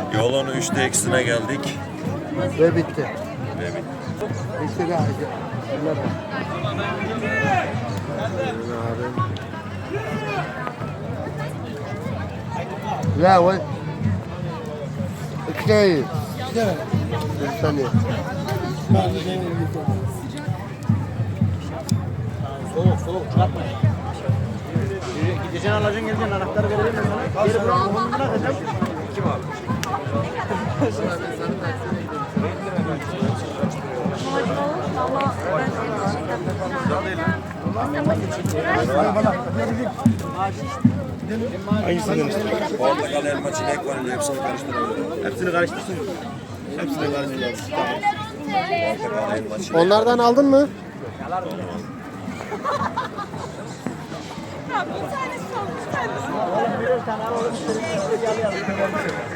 Yolun 3'te eksine geldik. Ve bitti. Ve bitti. Bitti galiba. لا وين كتير bir saniye. Soğuk çıkartma. Gideceksin alacaksın geleceksin anahtarı verelim mi sana? Geri bırakma bunu bırakacağım. Kim abi? Hangisinden istiyorsun? Portakal, elma, çilek var. Hepsini karıştıralım. Hepsini karıştırsın. Hepsini karıştırsın. Portakal, elma, çilek. Onlardan aldın mı? Birer tane alalım.